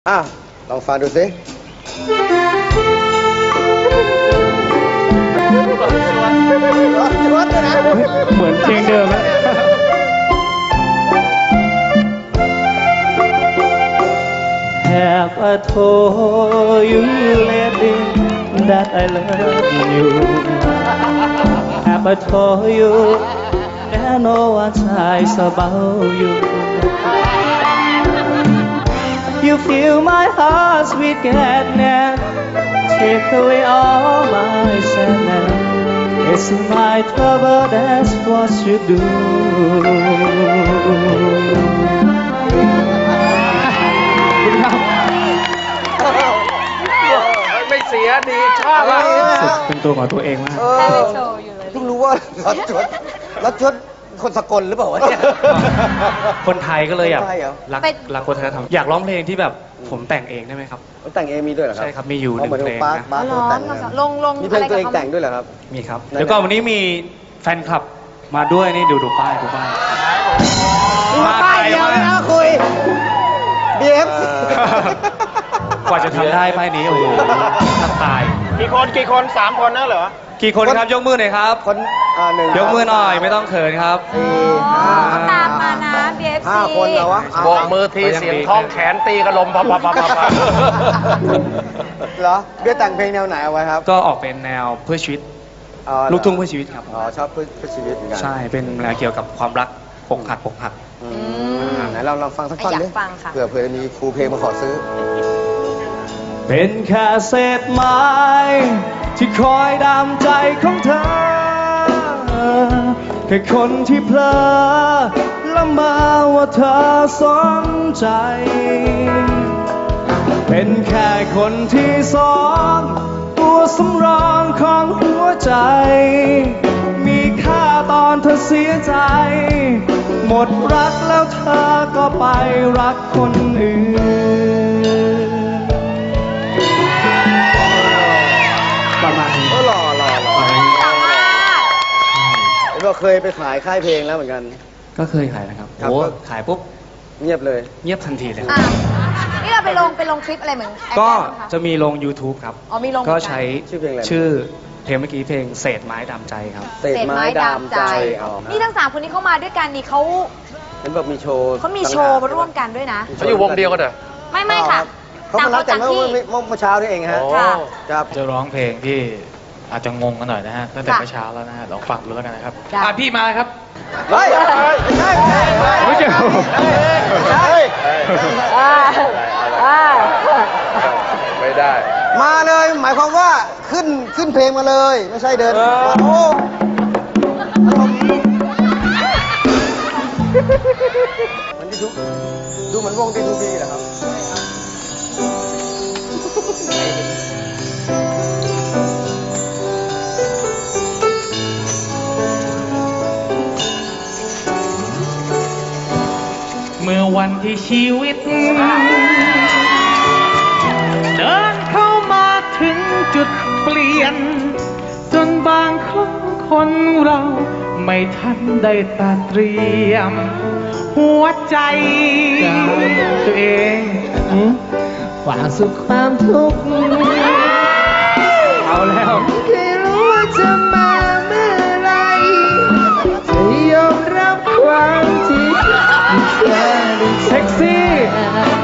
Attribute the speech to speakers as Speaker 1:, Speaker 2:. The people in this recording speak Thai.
Speaker 1: ลองฟังดูสิ
Speaker 2: เหมือนเพลงเดิมนะ Have I told you lately that I love you? Have I told you that no one tries about you? You fill my heart with gladness, take away all my sadness. It's my trouble, that's what you do.
Speaker 3: ไม่เสียดีชอบมาก
Speaker 2: เป็นตัวของตัวเองมาก
Speaker 1: เพิ่งรู้ว่ารัชดคนสกลหรือเปล่าวะเนี่ย
Speaker 2: คนไทยก็เลยแบบรักวัฒนธรรมอยากร้องเพลงที่แบบผมแต่งเองได้ไหมครับ
Speaker 1: แต่งเองมีด้วยเหรอครับ
Speaker 2: ใช่ครับมีอยู่หนึ่งเพลงนะ
Speaker 1: มีเพลงตัวเองแต่งด้วยเหรอครับ
Speaker 2: มีครับเดี๋ยวก่อนวันนี้มีแฟนคลับมาด้วยนี่ดูป้าย
Speaker 1: มาป้ายเดียวนะคุยBF
Speaker 2: กว่าจะทำได้ป้ายนี้โอ้โหตาย
Speaker 3: กี่คน3 คนนะเหรอ
Speaker 2: กี่คนครับยกมือหน่อยครับ
Speaker 1: คน1
Speaker 2: ยกมือหน่อยไม่ต้องเขินครับ
Speaker 4: ตามมานะ BFC
Speaker 1: 5 คนเหรอวะ
Speaker 3: โบกมือทีเสียงท้องแขนตีกระลมพับ
Speaker 1: เหรอเบี้ยแต่งเพลงแนวไหนเอาไว้ครับ
Speaker 2: ก็ออกเป็นแนวเพื่อชีวิตลูกทุ่งเพื่อชีวิตครับ
Speaker 1: ชอบเพื่อชีวิตเหมือนกัน
Speaker 2: ใช่เป็นแนวเกี่ยวกับความรักปกหัก
Speaker 1: ไหนเราฟังสักท่อนดิเผื่อมีครูเพลงมาขอซื้อ
Speaker 2: เป็นแค่เศษไม้ที่คอยดามใจของเธอแค่คนที่เพลอละเมอว่าเธอสนใจเป็นแค่คนที่สองตัวสำรองของหัวใจมีค่าตอนเธอเสียใจหมดรักแล้วเธอก็ไปรักคนอื่นประมาณนี้
Speaker 1: หล่อเราเคยไปขายค่ายเพลงแล้วเหมือนกัน
Speaker 2: ก็เคยขายนะครับโอ้ขายปุ๊บ
Speaker 1: เงียบเลย
Speaker 2: เงียบทันทีเลย
Speaker 4: นี่เราไปลงคลิปอะไรเหมือน
Speaker 2: ก็จะมีลง YouTube ครับ
Speaker 4: มีลง
Speaker 2: ก็ใช้ชื่อเพลงเมื่อกี้เพลงเศษไม้ดามใจครับ
Speaker 1: เศษไม้ดามใจ
Speaker 4: นี่ทั้ง3 คนนี้เข้ามาด้วยกันนี่เขา
Speaker 1: เป็นแบบมีโชว์
Speaker 4: เขามีโชว์มาร่วมกันด้วยนะ
Speaker 3: เขาอยู่วงเดียวกันเหรอ
Speaker 4: ไม่ค่ะ
Speaker 1: เขามารับกันเมื่อเช้านี่เองฮะ
Speaker 2: จะร้องเพลงที่อาจจะงงกันหน่อยนะฮะตั้งแต่เมื่อเช้าแล้วนะฮะลองฟังดูแล้วกันนะครับพี่มาครับ
Speaker 1: เฮ้ย
Speaker 2: ไม่ใช่
Speaker 3: ไม่ได้
Speaker 1: มาเลยหมายความว่าขึ้นเพลงมาเลยไม่ใช่เดินโอ้มันดูเหมือนวงดีทูบีเหรอครับ
Speaker 2: เมื่อวันที่ชีวิตเดินเข้ามาถึงจุดเปลี่ยนจนบางครั้งคนเราไม่ทันได้ตัดเตรียมหัวใจตัวเองว่าสุขความทุกข์เอาแล้วไม่รู้ว่าจะมาเมื่อไรจะยอมรับความจริงเซ็กซี่